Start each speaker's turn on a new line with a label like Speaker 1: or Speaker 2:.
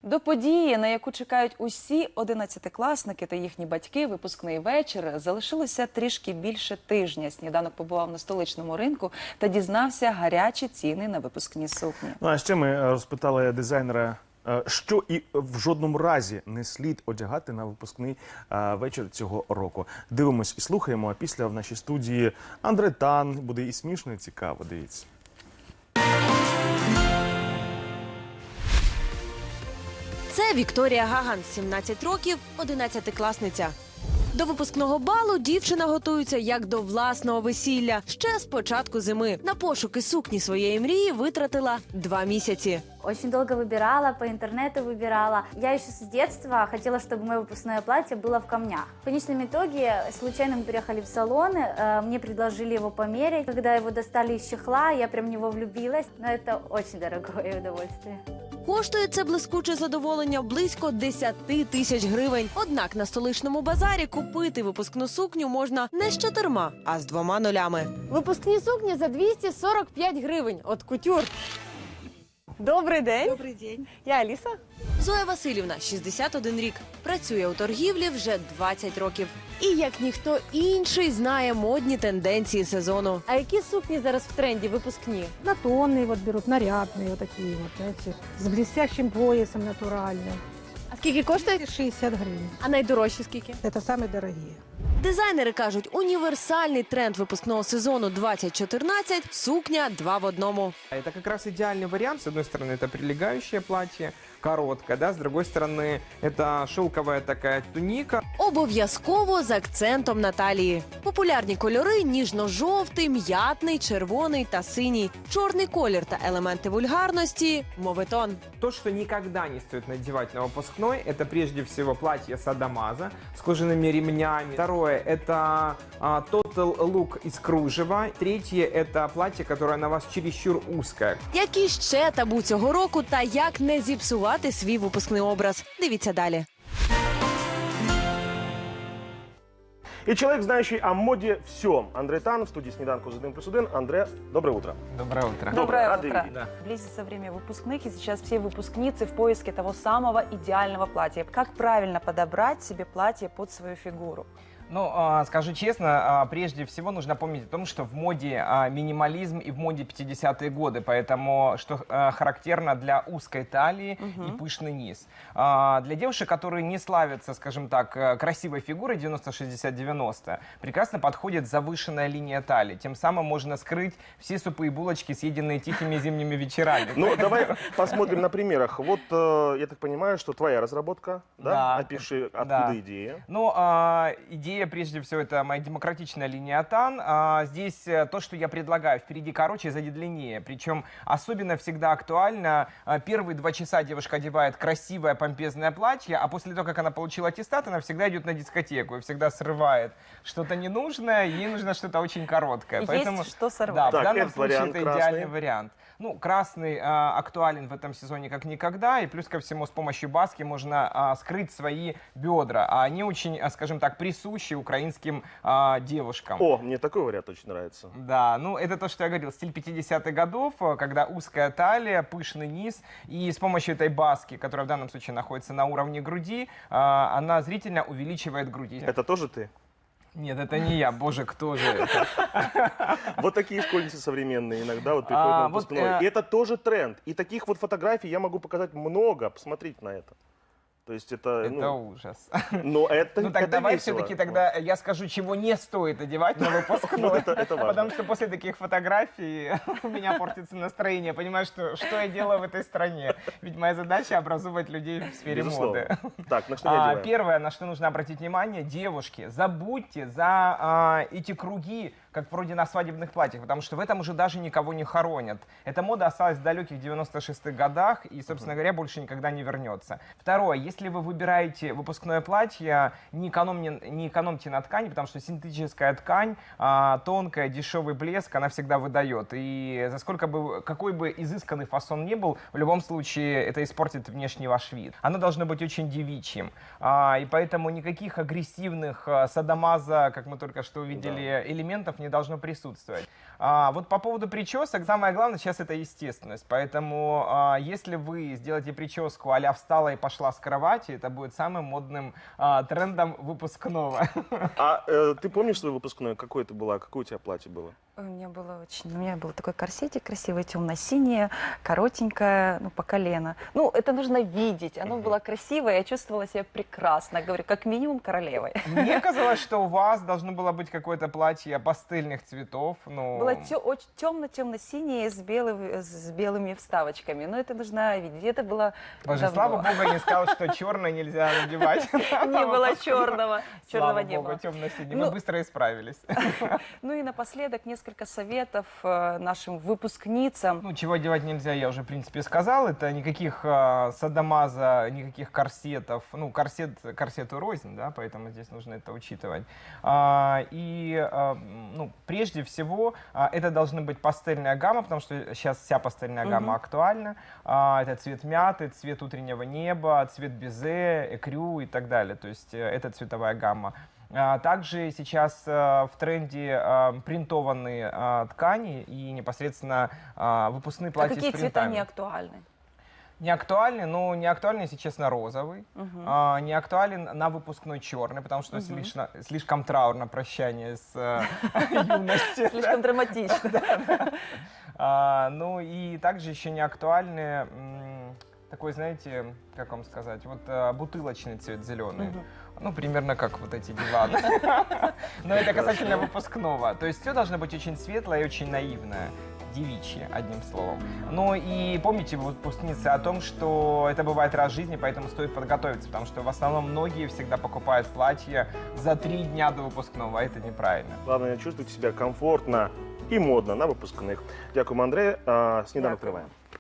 Speaker 1: До події, на яку чекають усі 11-класники та їхні батьки, випускний вечір, залишилося трішки більше тижня. Сніданок побував на столичному ринку та дізнався гарячі ціни на випускні сукні.
Speaker 2: Ну а ще ми розпитали дизайнера, що і в жодному разі не слід одягати на випускний вечір цього року. Дивимось і слухаємо, а після в нашій студії Андре Тан. Буде і смішно, і цікаво, дивіться.
Speaker 3: Це Вікторія Гаган, 17 років, 11-класниця. До випускного балу дівчина готується як до власного весілля. Ще з початку зими. На пошуки сукні своєї мрії витратила 2 місяці.
Speaker 4: Очень долго выбирала, по интернету выбирала. Я еще с детства хотела, чтобы мое выпускное платье было в камнях. В конечном итоге, случайно мы приехали в салон, мне предложили его померить. Когда его достали из чехла, я прям в него влюбилась. Но это очень дорогое удовольствие.
Speaker 3: Коштує це блискуче задоволення близько 10 тисяч гривень. Однак на столичному базарі купити випускну сукню можна не з 4, а з 2 нулями.
Speaker 5: Випускні сукні за 245 гривень от кутюр. Добрий день.
Speaker 6: Добрий день.
Speaker 5: Я Аліса.
Speaker 3: Зоя Васильівна, 61 рік. Працює у торгівлі вже 20 років. І як ніхто інший знає модні тенденції сезону.
Speaker 5: А які сукні зараз в тренді випускні?
Speaker 6: Национные вот берут, нарядные вот такие вот, знаете, с блестящим поясом натуральным.
Speaker 5: А скільки коштує?
Speaker 6: 60 гривен.
Speaker 5: А найдорожчі скільки?
Speaker 6: Это самые дорогие.
Speaker 3: Дизайнери кажуть, універсальний тренд випускного сезону 2014 – сукня 2 в 1.
Speaker 7: Это как раз идеальный вариант. С одной стороны, это прилегающее платье, короткое, да, с другой стороны, это шелковая такая туника.
Speaker 3: Обов'язково з акцентом на талії. Популярні кольори – ніжно-жовтий, м'ятний, червоний та синій. Чорний колір та елементи вульгарності – моветон.
Speaker 7: То, что никогда не стоит надевать на выпускной, это прежде всего платье садомаза с кожаными ремнями. Второе – это total look из кружева. Третье – это платье, которое на вас чересчур узкое.
Speaker 3: Які ще табу цього року та як не зіпсувати свій випускний образ? Дивіться далі.
Speaker 2: И человек, знающий о моде всем. Андре Тан в студии «Снеданку с 1+1». Андре, доброе утро.
Speaker 7: Доброе утро.
Speaker 1: Доброе
Speaker 2: рады
Speaker 1: утро.
Speaker 2: видеть.
Speaker 7: Да.
Speaker 1: Близится время выпускных, и сейчас все выпускницы в поиске того самого идеального платья. Как правильно подобрать себе платье под свою фигуру?
Speaker 7: Ну, скажу честно, прежде всего нужно помнить о том, что в моде минимализм и в моде 50-е годы, поэтому что характерно для узкой талии и пышный низ. Для девушек, которые не славятся, скажем так, красивой фигурой 90-60-90, прекрасно подходит завышенная линия талии. Тем самым можно скрыть все супы и булочки, съеденные тихими зимними вечерами.
Speaker 2: Ну, давай посмотрим на примерах. Вот, я так понимаю, что твоя разработка, да?
Speaker 7: Да.
Speaker 2: Опиши, откуда
Speaker 7: Да.
Speaker 2: идея.
Speaker 7: Ну, идея, прежде всего, это моя демократичная линия Тан. Здесь то, что я предлагаю, впереди короче, сзади длиннее. Причем особенно всегда актуально. Первые 2 часа девушка одевает красивое помпезное платье, а после того, как она получила аттестат, она всегда идет на дискотеку и всегда срывает что-то ненужное, ей нужно что-то очень короткое.
Speaker 1: Есть что сорвать.
Speaker 7: Да,
Speaker 2: Так,
Speaker 7: в данном
Speaker 2: этот
Speaker 7: случае
Speaker 2: вариант
Speaker 7: это
Speaker 2: красный.
Speaker 7: идеальный вариант. Ну, красный актуален в этом сезоне как никогда, и плюс ко всему с помощью баски можно скрыть свои бедра, а они очень, скажем так, присущи украинским девушкам.
Speaker 2: О, мне такой вариант очень нравится.
Speaker 7: Да, ну это то, что я говорил, стиль 50-х годов, когда узкая талия, пышный низ, и с помощью этой баски, которая в данном случае находится на уровне груди, она зрительно увеличивает грудь.
Speaker 2: Это тоже ты?
Speaker 7: Нет, это не я, боже, кто же это?
Speaker 2: Вот такие школьницы современные иногда вот приходят на
Speaker 7: вот,
Speaker 2: выпускной. И это тоже тренд. И таких вот фотографий я могу показать много. Посмотрите на это. То есть это...
Speaker 7: Это
Speaker 2: ну,
Speaker 7: ужас.
Speaker 2: но это,
Speaker 7: Ну так
Speaker 2: это
Speaker 7: давай
Speaker 2: весело.
Speaker 7: все-таки тогда я скажу, чего не стоит одевать на выпускной.
Speaker 2: Вот это важно.
Speaker 7: Потому что после таких фотографий у меня портится настроение. Я понимаю, что я делаю в этой стране. Ведь моя задача образовывать людей в сфере моды.
Speaker 2: Безусловно. Так, на что не одеваем?
Speaker 7: Первое, на что нужно обратить внимание, девушки, забудьте за эти круги, как вроде на свадебных платьях, потому что в этом уже даже никого не хоронят. Эта мода осталась в далеких 96-х годах и, собственно говоря, больше никогда не вернется. Второе, если вы выбираете выпускное платье, не экономьте на ткани, потому что синтетическая ткань, тонкая, дешевый блеск, она всегда выдает. И за какой бы изысканный фасон ни был, в любом случае это испортит внешний ваш вид. Оно должно быть очень девичьим. И поэтому никаких агрессивных садомаза, как мы только что увидели, элементов не не должно присутствовать. Вот по поводу причесок, самое главное сейчас это естественность. Поэтому если вы сделаете прическу а-ля встала и пошла с кровати, это будет самым модным трендом выпускного.
Speaker 2: Ты помнишь свой выпускной? Какое это было? Какое у тебя платье было?
Speaker 1: У меня был такой корсетик красивый, темно-синее, коротенькое, ну, по колено. Ну, это нужно видеть. Оно было красивое, я чувствовала себя прекрасно. Говорю, как минимум королевой.
Speaker 7: Мне казалось, что у вас должно было быть какое-то платье пастельных цветов. Ну...
Speaker 1: Было темно-темно-синее с белыми вставочками. Но это нужно видеть. Это было
Speaker 7: Боже,
Speaker 1: давно.
Speaker 7: слава богу, не сказал, что черное нельзя надевать.
Speaker 1: Не было черного. Черного не
Speaker 7: Слава
Speaker 1: было.
Speaker 7: богу, темно-синий.
Speaker 1: Ну,
Speaker 7: Мы быстро исправились.
Speaker 1: Ну и напоследок несколько советов нашим выпускницам.
Speaker 7: Ну, чего одевать нельзя, я уже, в принципе, сказал. Это никаких садомаза, никаких корсетов. Ну, корсету рознь, да, поэтому здесь нужно это учитывать. Ну, прежде всего, это должна быть пастельная гамма, потому что сейчас вся пастельная гамма актуальна. Это цвет мяты, цвет утреннего неба, цвет безе, экрю и так далее. То есть это цветовая гамма. Также сейчас в тренде принтованные ткани и непосредственно выпускные
Speaker 1: А
Speaker 7: платья
Speaker 1: какие
Speaker 7: с
Speaker 1: цвета
Speaker 7: принтами.
Speaker 1: не актуальны?
Speaker 7: Не актуальный, но не актуальный, если честно, розовый. Не актуален на выпускной черный, потому что слишком траурно прощание с юностью.
Speaker 1: Слишком драматично.
Speaker 7: Ну и также еще не актуальный такой, знаете, как вам сказать, вот бутылочный цвет зеленый. Ну, примерно как вот эти диваны. Но это касательно выпускного. То есть все должно быть очень светлое и очень наивное. Девичье, одним словом. Ну и помните, выпускницы, о том, что это бывает раз в жизни, поэтому стоит подготовиться, потому что в основном многие всегда покупают платье за 3 дня до выпускного, а это неправильно.
Speaker 2: Главное, чувствовать себя комфортно и модно на выпускных. Дякуємо, Андрея. Сніданок триває.